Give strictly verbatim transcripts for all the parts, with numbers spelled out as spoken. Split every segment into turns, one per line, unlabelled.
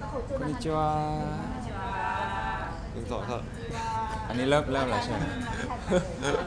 こんにちは
หนึ่งสองครับ
อันนี้เริ่มเริ่มแล้วใช่ไหม
เริ่ม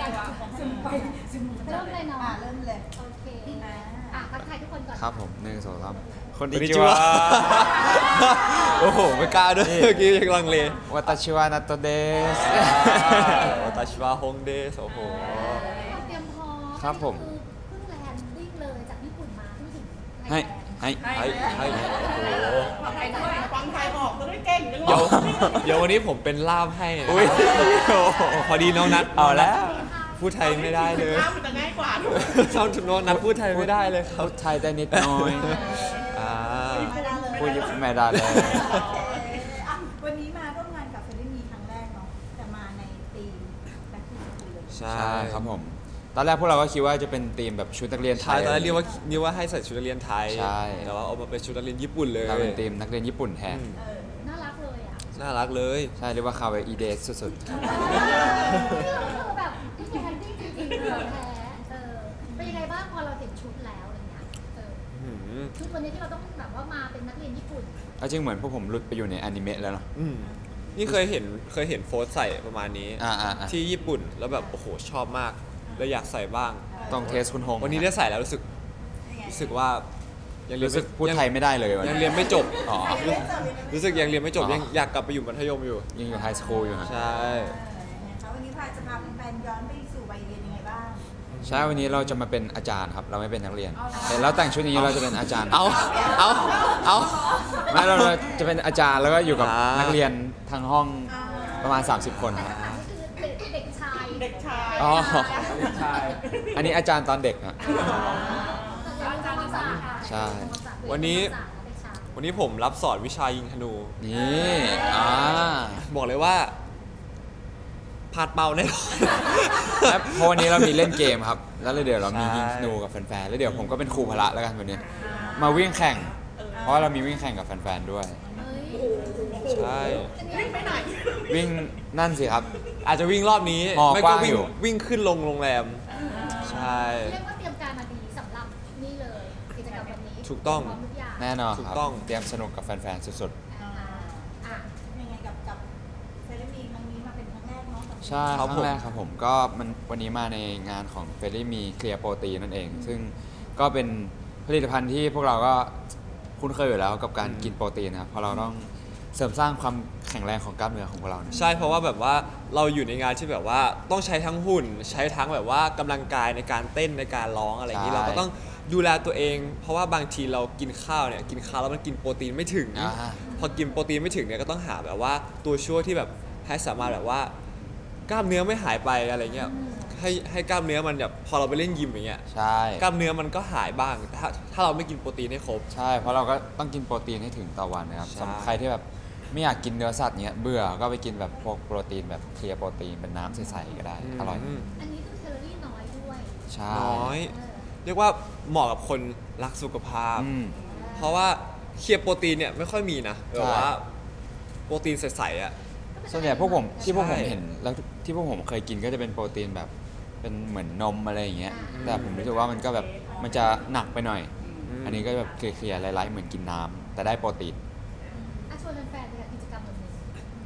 เลยเนาะ
อ่ะเริ่มเลย
โอเคอ่ะทักทายทุกคนก่อน
ครับผมหนึ่งสองสามคน
こん
นิ
に
จิ
ち
วะ
はโอ้โหไม่กล้าด้วยเมื่อกี้ยังลังเล
วัตชิวะนัตโตเดส
วาตาชิวะฮงเดสโอ้โห
เตรียมพร้อม
ครับผม
คือเพิ่งแลนดิ้งเลยจากญี่ปุ่นมาเพิ่งถึง
ให้ให้
ให้ให้โอ้โห
ฟังไทยด้วยฟังไทยออกก็ได้เก่งจังเล
เดี๋ยวย เดี๋ยววันนี้ผมเป็นล่ามให้
อุ้ย
พอดีน้องนัท
เอาแล้ว
พูดไทยไม่ได้เลย
ข้าวมันจะง่ายกว่าถูก
ชอบน้องนัทพูดไทยไม่ได้เลยครับ
พูดไทยได้นิดหน่อย
อ่า
ไม่ได้เลย
พูดญี่ปุ่นไม่ได้เลย
อ่ะวันนี้มาร่วมงานกับเฟรนด์มีครั้งแรกเนาะแต่มาในธีมแบ็คทูสคูลเลย
ใช่
ใช่ครับผม ตอนแรกพวกเราก็คิดว่าจะเป็นธีมแบบชุดนักเรียนไท
ใช่
ย
ตอนแรกเรียกว่าเรียกว่าให้ใส่ชุดนักเรียนไทย
ใช่
แต่ว่าเอามาเป็นชุดนักเรียนญี่ปุ่นเลย
เราเป็นธีมนักเรียนญี่ปุ่นแทน
อืม
เออ
น่ารักเลยอ่ะ
น่ารักเลย
ใช่เรียกว่าคาวอีเดสสุด
คือแบบที่แลนดิ้งจริงๆเลยแท้เออเป็นยังไงบ้างพอเราเห็นชุดแล้วอะไรเงี้ยเออ
อืม
ชุดวันนี้ที่เราต้องแบบว่ามาเป็นนักเรียนญี่ปุ่น
ๆเอาจริงเหมือนพวกผมหลุดไปอยู่ในอนิเมะแล้วเนาะ
อืมนี่เคยเห็นเคยเห็นโฟสใส่ประมาณนี้
อ่าอ่าอ่า
ที่ญี่ปุ่นแล้วแบบโอ้โหชอบมากแล้วอยากใส่บ้าง
ต้องเทสคุณฮง
วันนี้ได้ใส่แล้วรู้สึก
ยังไง
รู้สึกว่ายังเรียน
รู้สึก
ไม่
พูดไทยไม่ได้เลยวัน
ยัง
นี้
เรียนไม่จบ
อ๋อ
รู้สึกยังเรียนไม่จบ
อ๋อ
ยังอยากกลับไปอยู่มัธยมอยู่
ยังอยู่ไฮสคูลอยู่นะ
ใช่
เออยังไงคะวันนี้พาจะพาแฟนๆย้อนไปสู่วัยเรียนยังไงบ้าง
ใช่วันนี้เราจะมาเป็นอาจารย์ครับ เราไม่เป็นนักเรียน
เอาเหรอ
เห็นแล้วแต่งชุดอย่างนี้เราจะเป็นอาจารย์
เอาเอาเอา
ไม่เราจะเป็นอาจารย์แล้วก็อยู่กับ
อ่านั
นักเรียนทางห้องประมาณ สามสิบ คน
แต่
ครับ
อันนี้คือเด็กเด็กชาย
เด็กชาย
อ๋ออันนี้อาจารย์ตอนเด็กอะ
อาจารย์ภาษา
ใช่
วันนี้ วันนี้ผมรับสอนวิชายิงธนู
นี่อ่า
บอกเลยว่าพลาดเป้าแน่นอน
แล้วเพราะวันนี้เรามีเล่นเกมครับ แล้วเดี๋ยวเรามี
ใช่
ยิงธนูกับแฟนๆแล้วเดี๋ยวผมก็เป็นครูพละแล้วกันวันนี้ มาวิ่งแข่ง เพราะว่าเรามีวิ่งแข่งกับแฟนๆด้วย
ใช่
วิ่งไปไหน
วิ่งนั่นสิครับ
อาจจะวิ่งรอบนี้
หอ
ไม่
ก
ก็
ว้าง
วิ่
อง ยู่
วิ่งขึ้นลงโรงแรม ใช่
เรียกว่าเตรียมการมาดีสำหรับนี่เลยกิจกรรมวันนี้
ถูกต้อง
พร้อมทุกอย่าง
แน่นอน
ถู
ค
ก
รับ
ต้อง
เตรียมสนุกกับแฟนๆสุด
อ่าอ่ะ
ยังไงกับกับเฟรนด์มีครั้งนี้มาเป็นครั้งแรกเนาะกับ
ๆ ใช่ค
ครั
รั้
บ
ง
ผม
แรกครับผมก็มันวันนี้มาในงานของเฟรลี่มีเคลียร์โปรตีนนั่นเอง ซึ่งก็เป็นผลิตภัณฑ์ที่พวกเราก็คุ้นเคยอยู่แล้วกับการกินโปรตีนนะครับเพราะเราต้องเสริมสร้างความแข็งแรงของกล้ามเนื้อของพวกเราเนี่ย
ใช่เพราะว่าแบบว่าเราอยู่ในงานที่แบบว่าต้องใช้ทั้งหุ่น ใช้ทั้งแบบว่ากำลังกายในการเต้นในการร้องอะไรอย่างนี้
ใช่
เราก็ต้องดูแลตัวเอง เพราะว่าบางทีเรากินข้าวเนี่ยกินข้าวแล้วมันกินโปรตีนไม่ถึง
อ่า
พอกินโปรตีนไม่ถึงเนี่ยก็ต้องหาแบบว่าตัวช่วยที่แบบให้สามารถแบบว่ากล้ามเนื้อไม่หายไปอะไรเงี้ยให้ให้กล้ามเนื้อมันแบบพอเราไปเล่นยิมอย่างเงี้ย
ใช่
กล้ามเนื้อมันก็หายบ้างแต่ถ้าถ้าเราไม่กินโปรตีนให้ครบ
ใช่เพราะเราก็ต้องกินโปรตีนให้ถึงต่อวันนะครับ
ใช่
สำหรับใครที่แบบไม่อยากกินเนื้อสัตว์เนี้ยเบื่อก็ไปกินแบบพวกโปรตีนแบบเคลียร์โปรตีนเป็นน้ำใสๆก็ได้อร่อย
ม
อันนี้คือแคลอรี่น้อยด้วย
ใช่
น้อย
เออ
เรียกว่าเหมาะกับคนรักสุขภาพ
อืม
เพราะว่าเคลียร์โปรตีนเนี่ยไม่ค่อยมีนะ
ใช่
แบบว่าโปรตีนใสๆอ่ะ
ส่วนใหญ่พวกผมที่พวกผม
ใช่
เห็นแล้วที่พวกผมเคยกินก็จะเป็นโปรตีนแบบเป็นเหมือนนมอะไรอย่างเงี้ย
อืม
แต่ผมรู้สึกว่ามันก็แบบมันจะหนักไปหน่อย
อืม
อันนี้ก็แบบเคลียร์ๆไร้ๆเหมือนกินน้ำแต่ได้โปรตีน
อ่ะชวนแฟนๆเลยค่ะกิจกรรมวันนี้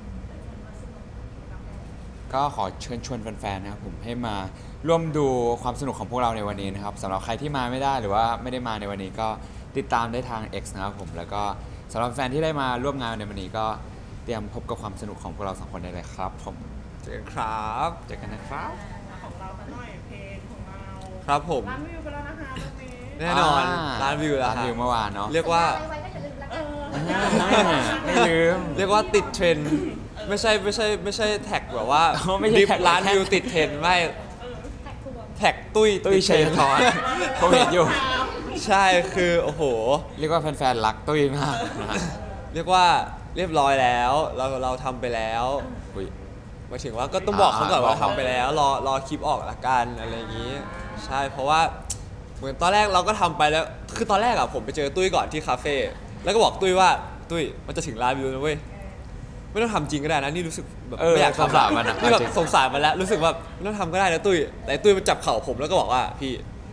ก็ขอเชิญชวนแฟนๆนะครับผมให้มาร่วมดูความสนุกของพวกเราในวันนี้นะครับสำหรับใครที่มาไม่ได้หรือว่าไม่ได้มาในวันนี้ก็ติดตามได้ทาง X นะครับผมแล้วก็สำหรับแฟนที่ได้มาร่วมงานในวันนี้ก็เตรียมพบกับความสนุกของพวกเราสองคนได้เลยครับผม
เจอกันครับ
เจอกันนะครับ
ของเราหน่อยเพลงของเรา
ครับผม
ล้านวิวไปแล้วนะคะตรงนี้
แน่นอนร้านวิวแล้ว
ร้าน
ฮะ
วิวเมื่อวานเนาะ
เรียกว่า
สัญญอะไรไว้ก็อย่าลืมแล้ว
เอ
กัน
อ
ไม่ลืม
เรียกว่าติดเทรนด์ไม่ใช่ไม่ใช่ไม่ใช่แท็กแบบว่า
อ๋อไม่ใช่
ดิฟ
แท็ก
ร้าน
แท็ก
วิวติดเทรนด์ไม่
แท็กทวง
แท็กตุ้ย
ตุ้ย
ติด
เช
ทร
ย
นด์
ทอนผมเห็นอยู่
ใช่คือโอ้โห
เรียกว่าแฟนๆรักตุ้ยมากนะฮะ
เรียกว่าเรียบร้อยแล้วเราเราทำไปแล้ว
อุ๊ย
หมายถึงว่าก็ต้องบอกเขาก่อน
อ่า
ว่า
บอก
ทำไปแล้วรอรอคลิปออกละกันอะไรอย่างนี้ ใช่เพราะว่าเหมือนตอนแรกเราก็ทำไปแล้วคือตอนแรกอะผมไปเจอตุ้ยก่อนที่คาเฟ่แล้วก็บอกตุ้ยว่าตุ้ยมันจะถึงร้านวิวนะเว้ยไม่ต้องทำจริงก็ได้นะนี่รู้สึกแบบ
เออ
ไม่อยาก
สง
ทำ
สารมันอะ
นี่แบบ
จริง
สงสารมันแล้วรู้สึกแบบไม่ต้องทำก็ได้นะตุ้ยแต่ตุ้ยมันจับเข่าผมแล้วก็บอกว่าพี่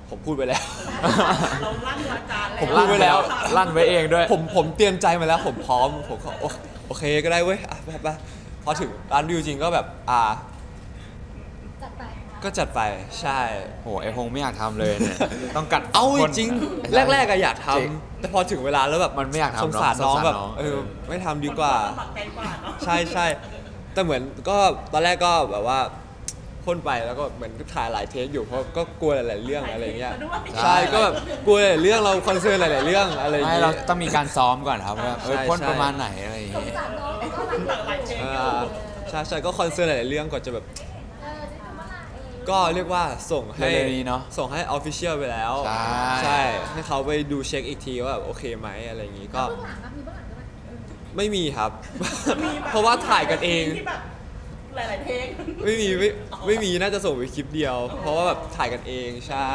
ผมพูดไปแล้ว
เราลั่นวาจาแล้ว
ผมพูดไว้แล้ว
ลั่นไว้เองด้วย
ผมผมเตรียมใจมาแล้วผมพร้อมผมก็โอโอเคก็ได้เว้ยอ่ะไปไปพอถึงร้านวิวจริงก็แบบอ่า
จัดไป
ก็จัดไปใช่
โหไอพงไม่อยากทำเลยเนี่ย ต้องกัด
เอา
คน
จริง
ไอ้
แรกๆอะอยากท
จริง
ำแต่พอถึงเวลาแล้วแบบ
มันไม่อยากทำ
สงสาร
เนอะ
น้อง
สงสาร
แบบ
น้อง
เออไม่ทำดีกว่า
ลำบากใจกว่าเนาะ
ใช่ใช่แต่เหมือนก็ตอนแรกก็แบบว่าพ่นไปแล้วก็เหมือนถ่ายหลายเทคอยู่เพราะก็กลัวหลายๆเรื่องอะไรเงี้ย
ใช่
ใช่ก็แบบกลัวหลายๆเรื่องเราคอนเซิร์นหลายๆเรื่องอะไรอย่าง
ไม่
เงี้
เรา
ย
ต้องมีการซ้อมก่อนครับว่าเออ
ใช่
พ่น
ใช่
ประมาณไหนอะไรอย่าง
สง
เงี้ย
สารน้องก็หลายเทค
อ่าใช่ใช่ก็คอนเซิร์นหลายๆเรื่องก่อนจะแบบ
เออจะทำอะไร
ก็เรียกว่าส่งให้
เร็วๆนี้เนาะ
ส่งให้ออฟฟิเชียลไปแล้ว
ใช่
ใช่ให้เขาไปดูเช็คอีกทีว่าแบบโอเคไหมอะไรอย่างงี้ก็
เบื้องหลังอะมีเบื้องหลังด้วยไหม
ไม่มีครับ
มีแบบ
เพราะว่าถ่ายกันเอง
ที่แบบหลายๆเพลง
ไม่มีไม่ไม่มีน่าจะส่งไปคลิปเดียว เพราะว่าแบบถ่ายกันเองใช่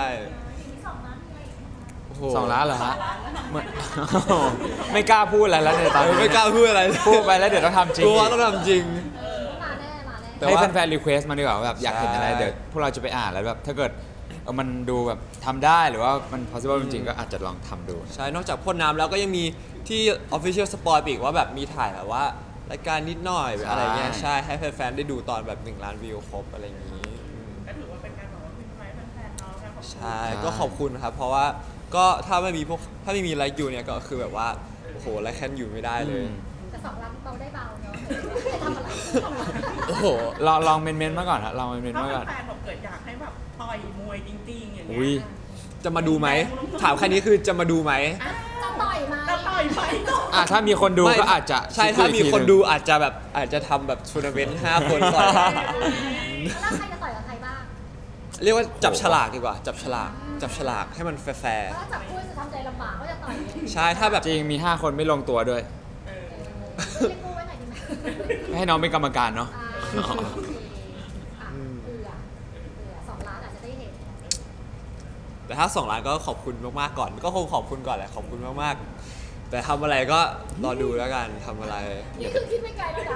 โอ้โห
สองล้านเหรอฮะเหมือน ไม่กล้าพูดอะไรแล้วในตอน
เออ
นี้
ไม่กล้าพูดอะไรเลย
พูดไปแล้วเดี๋ยวต้องทำจริง
กลัวต้องทำจริง
มาแน่มาแน่
แต่
ให้
ว่า
แฟนๆรีเควสต์มาดีกว่าว่าแบบอยากเห็นอะไร
ใช่
เดี๋ยวพวกเราจะไปอ่านแล้วแบบถ้าเกิดเออมันดูแบบทำได้หรือว่ามัน possible จริงๆก็อาจจะลองทำดู
ใช่ นอกจากพ่นน้ำแล้วก็ยังมีที่ Official Spoil อีกว่าแบบมีถ่ายแบบว่ารายการนิดหน่อยแบบอะไรเงี้ย
ใช่
ใช่ให้แฟนๆได้ดูตอนแบบหนึ่งล้านวิวครบอะไรอย่างนี้อืม
ก็ถือว่าเป็นการแบบว่าเป็นไม้แฟนๆเนาะการขอบคุณ
ใช่ก็ขอบคุณครับ เพราะว่าก็ถ้าไม่มีพวกถ้าไม่มีไลค์ยูเนี่ยก็คือแบบว่าโอ้โหไลค์แคนอยู่ไม่ได้เลย
แต่สองล้านเบาได้เบาเนาะจะทำอะไร
โอ้โห
ลองลองเมนๆมาก่อนฮะลองเมนๆ
ถ้า
มาก่อน
แฟนๆแบบเกิดอยากให้แบบต่อยมวยจริงๆอย่างเงี้
อุ้ย
ย
จะมาดูไหมถามแค่นี้คือจะมาดูไหม
จะต่อยไหม
จะต่อยไหมก็
อ่ะถ้ามีคนดู
ไม่
ก็อาจจะ
ใช่
ด
ถ้ามี
อีกที
คน
หง
ดูอาจจะแบบอาจจะทำแบบทัวร์นาเมนต์ห้าคนต่อย
แล้วใครจะต่อยกับใครบ้าง
เรียกว่าจับฉลากดีกว่า จับฉลากจับฉลากให้มันแฟร์
ถ้าจับคู่จะทำใจลำบากว่าจะต่อยยังไง
ๆใช่ถ้าแบบ
จริงมี ห้า คนไม่ลงตัวด้วย
เออ
เรียกคู่ไว้หน่อยดีไหม
ให้น้องเป็นกรรมการเนาะ
อ่าโอเคอ่ะเผื่อเผื่อสองล้านอาจจะได้เห็น
แต่ถ้าสองล้านก็ขอบคุณมากๆก่อน ก็คงขอบคุณก่อนแหละขอบคุณมากๆ แต่ทำอะไรก็รอดูแล้วกันทำอะไร
นี่คือคิดไม่ไกลแล้วนะ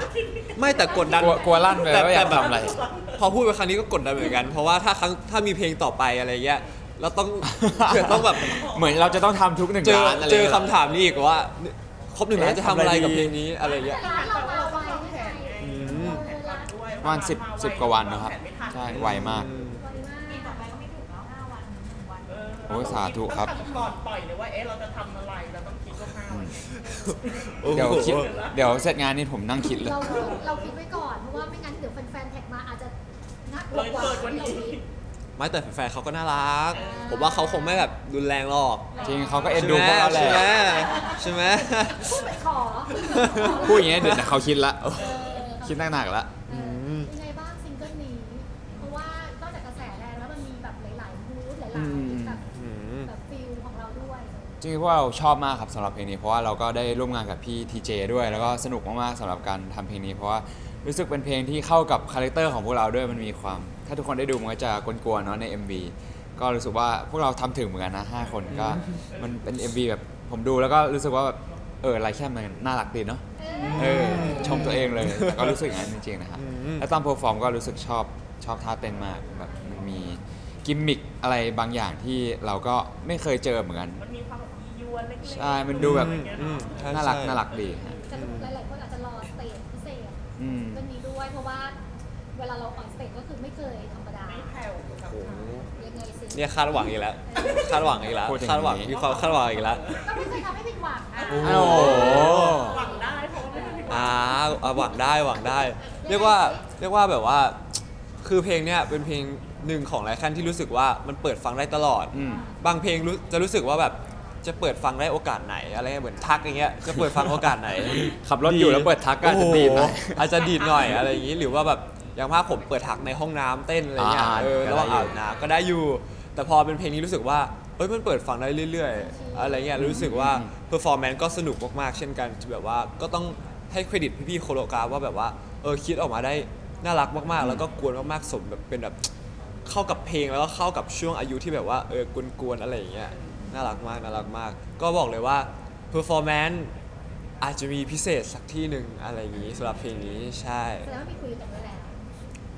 ไม่แต่กดดัน
กลัวกลัวลั่นไป
แต่
ว่าอยาก
แต่แบบ
ทำอะไร
พอพูดไปครั้งนี้ก็กดดันเหมือนกัน เพราะว่าถ้าครั้งถ้ามีเพลงต่อไปอะไรเงี้ยเราต้อง เผื่อต้องแบบ
เหมือนเราจะต้องทำทุกหนึ่ง
เจอ
ล้านอะไร
เจอ
งี้ย
คำถามนี้อีกว่าครบหนึ่งล้านจะทำอะไรกับเพลงนี้อะไรเงี้ย
ร้านเราเอาไว้ไม่ไง
อืม
เออร้าน
ด้วย
ประมาณสิบสิบกว่าวันนะครับ ใช่ไวมาก
ไวมาก
โอ้ยสาธุครับ
ต้องทำก่อนปล่อยเลยว่าเอ๊ะเราจะทำอะไรเราต้องคิดล่วงหน้าไว้
โอ้โห
เดี๋ยวคิดเดี๋ยวเสร็จงานนี้ผมนั่งคิดเลย
เราเราคิดไว้ก่อนเพราะว่าไม่งั้นเดี๋ยวแฟนๆแท็กมาอาจจะน่ากลั
เล
วย กว่า
เกิดวัน
ที่เรา
นี้
คิด
ไม่แต่แฟนๆเขาก็น่ารัก ผมว่าเขาคงไม่แบบรุนแรงหรอก
จริงเขาก็เอ็นดูพวกเราแห
ใช่ไหม
ละ
ใช่ไหม
พูดไปขอ
พูดอย่างเงี้ยเดี๋ยวเขาคิดละ
เออ
คิดหนักๆละ
เออเป็นไงบ้างซิงเกิลนี้ เพราะว่านอกจากกระแสแรงแล้วมันมีแบบหลายๆมูดหลายๆแบบ
อืม
แบบฟิลของเราด้วย
จริงๆพวกเราชอบมากครับสำหรับเพลงนี้เพราะว่าเราก็ได้ร่วมงานกับพี่ทีเจด้วย แล้วก็สนุกมากๆสำหรับการทำเพลงนี้เพราะว่ารู้สึกเป็นเพลงที่เข้ากับคาแรคเตอร์ของพวกเราด้วยมันมีความ ถ้าทุกคนได้ดูมันก็จะกวนๆเนาะใน เอ็ม วี ก็รู้สึกว่าพวกเราทำถึงเหมือนกันนะห้าคนก็มันเป็น เอ็ม วี แบบผมดูแล้วก็รู้สึกว่าแบบเออไรแค่มันน่ารักดีเนาะเออชมตัวเองเลยแต่ก็รู้สึกอย่างนั้นจริงๆนะฮะ
อืม
แล้วตอนเพอร์ฟอร์มก็รู้สึกชอบชอบท่าเต้นมากแบบมันมีกิมมิคอะไรบางอย่างที่เราก็ไม่เคยเจอเหมือนกัน
มันมีความแบบยียวนเล็กๆ
ใช่มันดูแบบ
อะไรอย่างเงี้ย
อื
เนาะ
มใช่
น่ารัก
ใช่
น่ารักดีฮะ
แต่หลายๆคนอาจจะรอสเตจพิเศษ
อืม
เรื่องนี้ด้วยเพราะว่าเวลาเราออนสเตจก็คือไม่เคยธรรมดา
ไม่แผ่วกับ
โอ้โห
ยังไงสิ
เนี่ยคาดหวังอีกแล้ว คาดหวังอีกแล้ว
พูดอย่างนี้
คาดหวังมีความคาดหวังอีกแล้ว
ก็ไม่เคยทำให้ผิดหวังอ่ะ
โอ้โห
โอ้โห
หวังได้เพราะว่าไม่ได้ผิดหวัง
อ่าอ่าหวังได้หวังได้ เรียกว่าเรียกว่าแบบว่า คือเพลงเนี้ยเป็นเพลงหนึ่งของไลคันที่รู้สึกว่ามันเปิดฟังได้ตลอด
อืม
บางเพลงรู้จะรู้สึกว่าแบบจะเปิดฟังได้โอกาสไหนอะไรเงี้ยเหมือนทักอย่างเงี้ยจะเปิดฟังโอกาสไหน
ขับรถอยู่แล้วเปิดทักก็อาจจะดีดหน่อย
โโอาจจะดีดหน่อยอะไรอย่างงี้หรือว่าแบบอย่างมากผมเปิดทักในห้องน้ำเต้นอะไรเงี้ย
อ่า
เออ
ก็
ระห
ได้
ว่าง
อยู่
อาบน้ำก็ได้อยู่ แต่พอเป็นเพลงนี้รู้สึกว่าเอ้ยมันเปิดฟังได้เรื่อยๆ อะไรเงี้ยรู้สึกว่าเพอร์ฟอร์แมนซ์ก็สนุกมากๆเช่นกันแบบว่าก็ต้องให้เครดิตพี่ๆโคโรกราฟว่าแบบว่าเออคิดออกมาได้น่ารักมากๆ แล้วก็กวนมากๆสมแบบเป็นแบบเข้ากับเพลงแล้วก็เข้ากับช่วงอายุที่แบบว่าเออกวนๆอะไรอย่างเงี้ยน่ารักมากน่ารักมาก ก็บอกเลยว่าเพอร์ฟอร์แมนซ์อาจจะมีพิเศษสักที่หนึ่งอะไรอย่างงี้สำหรับเพลงนี้ใช่
แสดงว่ามีคุยกันไว้แล้ว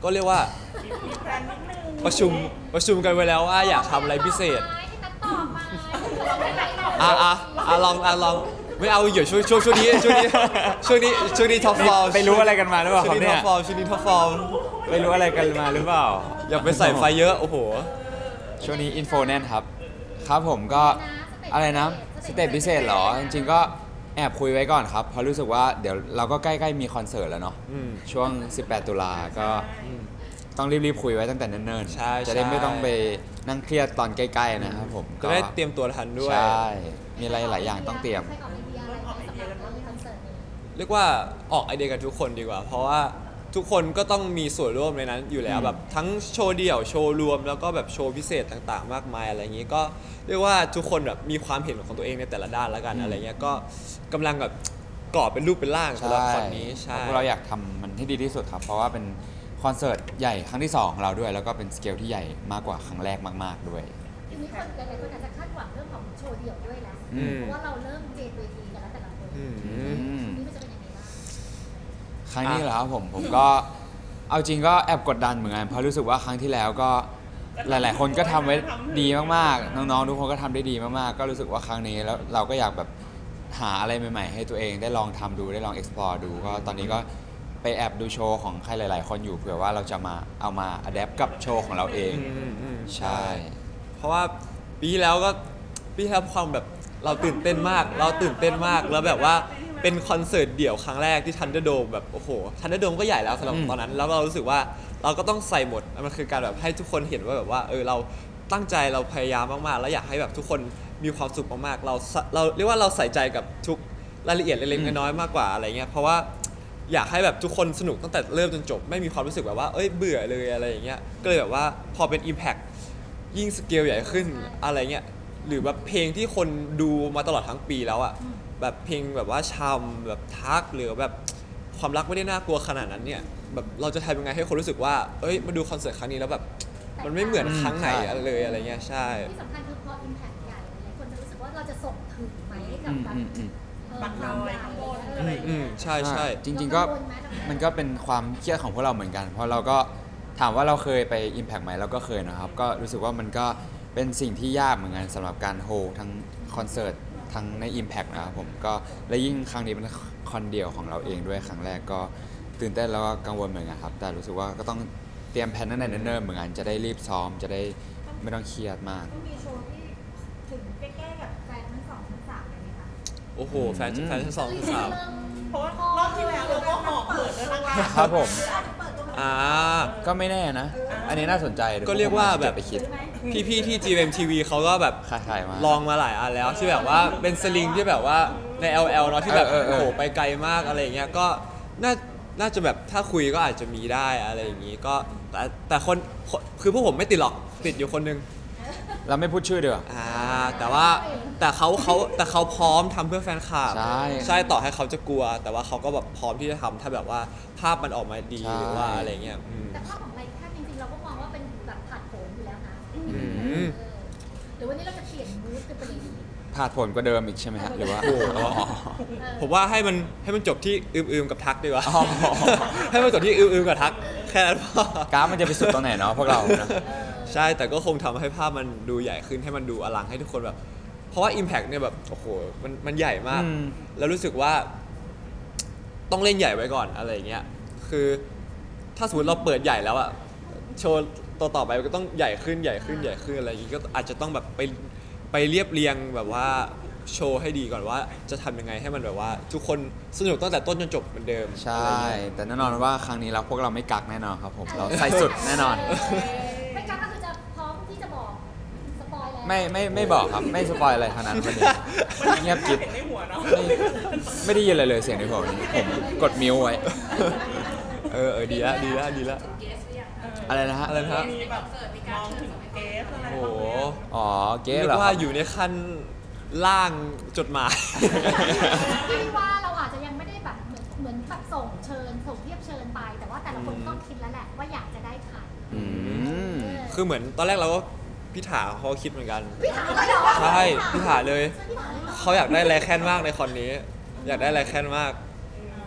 ก็เรียกว่า
มีแพลนนิดนึง
ประชุมประชุมกันไว้แล้วว่าอยากทำอะไรพิเศษ
ให้นัดตอบมาเราไม่ไหนหรอก
อ่ะอ่ะอ่ะลองอ่ะลองไม่เอาเดี๋ยวช่วงช่วงช่วงนี้ช่วงนี้ช่วงนี้ช่วงนี้ท็อปฟอร์
ไปรู้อะไรกันมาหรือเปล่า
ช่ว
ครั
ง
บ
นี้
เนี่
ท็อย ปฟอร์ช่วงนี้ท็อปฟอร์
ไปรู้อะไรกันมาหรือเปล่า
อย่าไปใส่ไฟเยอะโอ้โห
ช่วงนี้อินโฟแน่นครับ ครับผมก็อะไรนะสเตจพิเศษเหรอ จริงๆก็แอบคุยไว้ก่อนครับ เพราะรู้สึกว่าเดี๋ยวเราก็ใกล้ๆมีคอนเสิร์ตแล้วเนาะ
อืม
ช่วง สิบแปด ตุลาก็ต้องรีบๆคุยไว้ตั้งแต่เนิ่นๆ
ใช่
จะได้
ใช่
ไม่ต้องไปนั่งเครียดตอนใกล้ๆนะครับผม
จะได้เตรียมตัวทันด้วย
ใช่ มีอะไรหลายอย่างต้องเตรียม
ใครออกไอเดียอะไรไหมสำหรับคอนเสิร์ตนี้
เรียกว่าออกไอเดียกันทุกคนดีกว่า เพราะว่าทุกคนก็ต้องมีส่วนร่วมในนั้นอยู่แล้ว
อืม
แบบทั้งโชว์เดี่ยวโชว์รวมแล้วก็แบบโชว์พิเศษต่างๆ มากมายอะไรอย่างนี้ก็เรียกว่าทุกคนแบบมีความเห็นของตัวเองในแต่ละด้านแล้วกันอะไรเงี้ยก็กำลังแบบก่อเป็นรูปเป็นร่างสำหรับคอนนี้ใช่
เพราะเราอยากทำมันให้ดีที่สุดครับ เพราะว่าเป็นคอนเสิร์ตใหญ่ครั้งที่สองของเราด้วย แล้วก็เป็นสเกลที่ใหญ่มากกว่าครั้งแรกมากๆด้วย
ทีนี้คนหลายๆคนอาจจะคาดหวังเรื่องของโชว์เดี่ยวด้วยแล้ว
อืม
เพราะว่าเราเริ่มเจนเวทีกันแล้วแต่ละคน
อืม
ทีนี้มันจะเป็นยังไงบ้าง
ครั้งนี้เหรอครับผมผมก็เอาจริงก็แอบกดดันเหมือนกันเพราะรู้สึกว่าครั้งที่แล้วก็หลาย ๆ คนก็ทำไว้ดีมากๆ น้อง ๆ ทุกคนก็ทำได้ดีมาก ๆ ก็รู้สึกว่าครั้งนี้แล้วเราก็อยากแบบหาอะไรใหม่ ๆ ให้ตัวเองได้ลองทำดูได้ลอง explore ดูก็ตอนนี้ก็ไปแอบดูโชว์ของใครหลาย ๆ คนอยู่เผื่อว่าเราจะมาเอามา adapt กับโชว์ของเราเอง
อืมอืม
ใช่
เพราะว่าปีที่แล้วก็ปีที่แล้วความแบบเราตื่นเต้นมาก เราตื่นเต้นมากแล้วแบบว่าเป็นคอนเสิร์ตเดี่ยวครั้งแรกที่ทันเดอร์โดมแบบโอ้โหทันเดอร์โดมก็ใหญ่แล้วสำหรับ
อืม
ตอนนั้น แล้วเรารู้สึกว่าเราก็ต้องใส่หมดมันคือการแบบให้ทุกคนเห็นว่าแบบว่าเออเราตั้งใจเราพยายามมากๆ แล้วอยากให้แบบทุกคนมีความสุขมากๆเราเราเรียกว่าเราใส่ใจกับทุกรายละเอียดเล็กๆน้อยๆมากกว่าอะไรเงี้ยเพราะว่าอยากให้แบบทุกคนสนุกตั้งแต่เริ่มจนจบไม่มีความรู้สึกแบบว่าเอ้ยเบื่อเลยอะไรอย่างเงี้ยก็เลยแบบว่าพอเป็น Impact ยิ่งสเกลใหญ่ขึ้นอะไรเงี้ยหรือแบบเพลงที่คนดูมาตลอดทั้งปีแล้วอะแบบเพลงแบบว่าชำแบบทักหรือแบบความรักไม่ได้น่ากลัวขนาดนั้นเนี่ยแบบเราจะทำยังไงให้คนรู้สึกว่าเอ้ยมาดูคอนเสิร์ตครั้งนี้แล้วแบบมันไม่เหมือนครั้งไหนเลยอะไรเงี้ยใช่
ที่สำคัญคือพอ impact ใหญ่หลายๆคนจะรู้สึกว่าเราจะส่งถึงไหมกับ
อืม
แบบ
อืมอืม
เออความใหญ่อะไรอย่าง
อื
เงี้
ม
ย
ใช่ใช่
จริง ๆ ก็มันก็เป็นความเครียดของพวกเราเหมือนกัน เพราะเราก็ถามว่าเราเคยไป Impact ไหมเราก็เคยนะครับ ก็รู้สึกว่ามันก็เป็นสิ่งที่ยากเหมือนกันสำหรับการโฮลทั้งคอนเสิร์ตทั้งใน Impact นะครับผมก็และยิ่งครั้งนี้เป็นคอนเดียวของเราเองด้วยครั้งแรกก็ตื่นเต้นแล้วก็กังวลเหมือนกันครับ แต่รู้สึกว่าก็ต้องเตรียมแผนตั้งแต่เนิ่นๆเหมือนกันจะได้รีบซ้อมจะได้ไม่ต้องเครียดมาก
ต้องมีโชว์ที่ถึงใกล้ๆกับแฟนทั้งสองทั้งสามเลยไหมคะ
โอ้โหแฟนแฟนชั้นสองชั้นสาม
เพราะว่ารอบที่แล้วเราก็หอบเปิดแล้วนะคะ
ครับผม
เปิดตัว
อ่า
ก็ไม่แน่นะ อันนี้น่าสนใจดี๋
ก็เรียกว่าแบบ
ไปคิด
พี่ๆที่ จี เอ็ม ที วี เขาก็แบบ
คล้ายๆมา
ลองมาหลายอันแล้วที่แบบว่าเป็นสลิงที่แบบว่าใน แอล แอล เนาะที่แบบ
เออเออเออ
โอ้โหไปไกลมากอะไรอย่างเงี้ยก็น่าน่าจะแบบถ้าคุยก็อาจจะมีได้อะไรอย่างงี้ก็แต่แต่คนคนคือพวกผมไม่ติดหรอกติดอยู่คนนึง
เราไม่พูดชื่อเดียวา
อ่าแต่ว่าแต่เขาเขาแต่เขาพร้อมทำเพื่อแฟนคลับ
ใช่
ใช่ต่อให้เขาจะกลัว แต่ว่าเขาก็แบบพร้อมที่จะทำถ้าแบบว่าภาพมันออกมาดี
ใช่
หรือว่าอะไรเงี้ยอืม
แต่ภาพของไรแค่จริงๆเราก็มองว่าเป็นแบบผ่านโผนอยู่แล้วนะ
ม
เออหรือวันนี้เราจะเปลี่ยนมูดเป็นประเด็นนี้
ผ่าดผลกว่าเดิมอีกใช่ไหมฮะหรือว่า
โอ้โห
อ๋อ
เออ
ผมว่าให้มันให้มันจบที่อืมๆกับทักดีกว่า
อ๋อ
ให้มันจบที่อืมๆกับทักแค่นั้นพอก
ราฟมันจะไปสุดตรงไหนเนาะพวกเรานะ
ใช่แต่ก็คงทำให้ภาพมันดูใหญ่ขึ้นให้มันดูอลังให้ทุกคนแบบ เพราะว่า Impact เนี่ยแบบโอ้โหมันมันใหญ่มาก
อืม
แล้วรู้สึกว่า ต้องเล่นใหญ่ไว้ก่อนอะไรอย่างเงี้ยคือถ้าสมมติเราเปิดใหญ่แล้วอะโชว์ต่อต่อไปมันก็ต้องใหญ่ขึ้นใหญ่ขึ้นใหญ่ขึ้นอะไรอย่างงี้ก็อาจจะต้องแบบไปไปเรียบเรียงแบบว่าโชว์ให้ดีก่อนว่าจะทำยังไงให้มันแบบว่า ทุกคนสนุกตั้งแต่ต้นจนจบเหมือนเดิม
ใช่
อะไรเงี้ย
แต่แน่นอนว่าครั้งนี้เราพวกเราไม่กักแน่นอนครับผมเราใส่สุดแน่นอน
ไม่กล้าก็คือจะพร้อมที่จะบอกสปอยแล้ว
ไม่ไม่ไม่บอกครับไม่สปอยอะไรทั้งนั้นวันนี้เงียบกิ๊บ
เห็นในหัวเนาะ
ไม่ไม่ได้ยินอะไรเลยเสียงในหัววันนี้ผมกดมิวไว้
เออเออดีละดีละดีละ
อะไรนะฮะ
อะไรนะฮะ
มีแบบมองถึงเกสอะไร
โอ้โห
อ๋อเก๊
เรีย
เหรอก ค
ว่า
รับ
อยู่ในขั้นล่างจดหมาย
พี่ว่าเราอาจจะยังไม่ได้แบบเหมือนเหมือนแบบส่งเชิญส่งเทียบเชิญไป แต่ว่าแต่ละคนต้องคิดแล้วแหละว่าอยากจะได้ใคร
อืม
คือเหมือนตอนแรกเราก็พี่ถาเขาคิดเหมือนกัน
พี่ถามเลยเหรอ
ใช่พี่ถาเลย
พี่ถามเลยเหรอ
เขาอยากได้ไรแคนมากในคอนนี้ อยากได้ไรแคนมาก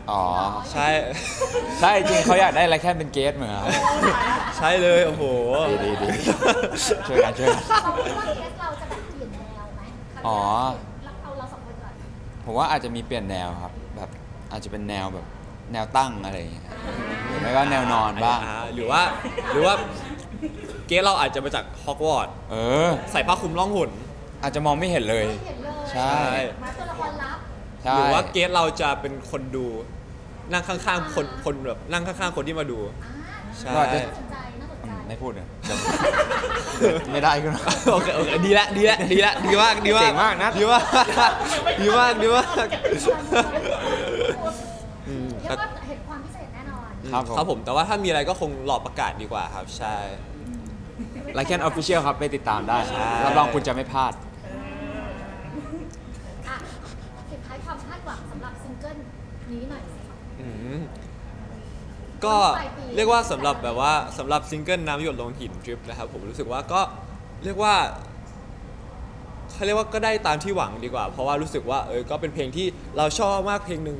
อ๋อ
ใช่
ใช่จริงเขาอยากได้อะไรแค่เป็นเกสเหมือนกัน
ใช่เลยโอ้โห
ดีดีดีช่วยกันช่วยกัน
เราคิดว่าเคสเราจะแบบเปลี่ยนแนวไหม
อ๋อ
เราเอาเราสองคนก่อน
ผมว่าอาจจะมีเปลี่ยนแนวครับแบบอาจจะเป็นแนวแบบแนวตั้งอะไรอย่างเงี้ยหรือไม่ก็แนวนอนบ้าง
อ่หรือว่าหรือว่าเกสเราอาจจะมาจากฮอกวอตส์
เออ
ใส่ผ้าคลุมล่องหน
อาจจะมองไม่เห็นเลย
ไม่เห็นเลย
ใช่
มาตัวละครลับ
ใช่
หรือว่าเกสเราจะเป็นคนดูนั่งข้างๆคนคนแบบนั่งข้างๆคนที่มาดู
อ่า
ใช่
ก็อาจจะ
น่าสนใจน่าสน
อื
ใจ
มไม่พูดเลยเดี๋ยวไม่ได้ขึ้นมา
โอเคโอเคดีละดีละดีละดีมากดีมาก
เจ๋งมากนะ
ดีมากดีมากดีมาก อืม
เรียกว่าเห็นความพิเศษแน่นอน
ครับผม
ครับผมแต่ว่าถ้ามีอะไรก็คงรอประกาศดีกว่าครับ ใช่
ไลค์แคนออฟฟิเชียลครับไปติดตามได้
ใช่
รับรองคุณจะไม่พลาด
อ่ะสุดท้ายความคาดหวังสำหรับซิงเกิลนี้หน่อยสิ
อืมก็เรียกว่าสำหรับแบบว่าสำหรับซิงเกิลน้ำหยดลงหินดริปนะครับผมรู้สึกว่าก็เรียกว่าเขาเรียกว่าก็ได้ตามที่หวังดีกว่า เพราะว่ารู้สึกว่าเออก็เป็นเพลงที่เราชอบมากเพลงหนึ่ง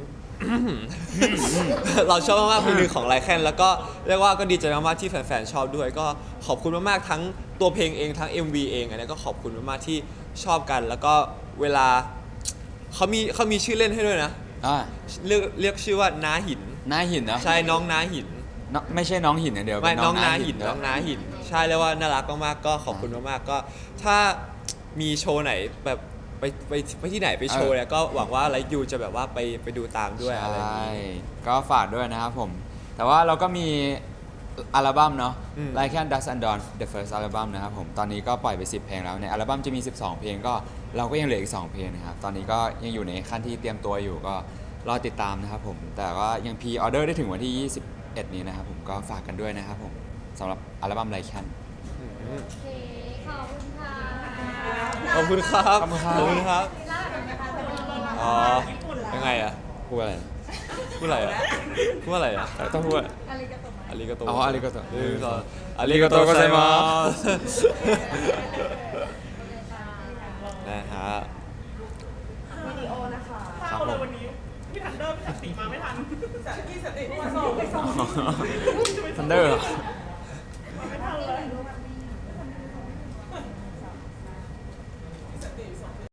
เราชอบมากๆเพลงหนึ่งของไลแคนแล้วก็เรียกว่าก็ดีใจมากๆที่แฟนๆชอบด้วย ก็ขอบคุณมากๆทั้งตัวเพลงเองทั้ง เอ็ม วี เองอันนี้ก็ขอบคุณมากๆที่ชอบกัน แล้วก็เวลาเขามีเขามีชื่อเล่นให้ด้วยนะ
อ่า
เรียกเรียกชื่อว่าน้าหิน
หน้าหินนะ
ใช่น้องน้าหิน
น้องไม่ใช่น้องหินอย่างเดียว
ไม่
เป็
น้องน้าหิน
ด้วย
น้องน้าหิน ใช่เลยว่าน่ารักมากๆก็ขอบคุณมากๆก็ ถ้ามีโชว์ไหนแบบไปไปไปที่ไหนไปโชว์เนี่ยก็หวังว่าไลฟ์ยูจะแบบว่าไปไปดูตามด้วยอะไรอย่าง
ใช่
นี้
ก็ฝากด้วยนะครับผม แต่ว่าเราก็มีอัลบั้มเนาะ
อืม
Like and Dust and Dawn The First Album นะครับผม ตอนนี้ก็ปล่อยไปสิบเพลงแล้วในอัลบั้มจะมีสิบสองเพลงก็เราก็ยังเหลืออีกสองเพลงนะครับ ตอนนี้ก็ยังอยู่ในขั้นที่เตรียมตัวอยู่ก็รอติดตามนะครับผม แต่ว่ายังพรีออเดอร์ได้ถึงวันที่ยี่สิบเอ็ดนี้นะครับผมก็ฝากกันด้วยนะครับผมสำหรับอัลบั้ม Like and
อืม
โอเคขอบคุณค่ะ
ขอบคุณครับ
ขอบคุณครับ
ขอบคุณครับ
ล่าสุดนะคะเป็นยังไง
อ๋อยังไงอะ
พูดอะไร
พูดอะไรอะพูดอะไรอะ
ต้องพูด
อะไรกันต่อมา
อาริกาโต
อ๋ออาริกาโต
หนึ่งสองอาริกาโตไซมาสนะฮะ
วิดีโอนะคะ
ข้าวเลยวันนี้พี่ทันเดอร์พี่สันติมาไม่ทันสันติสันติมาส่งไปส่ง
ทันเดอร์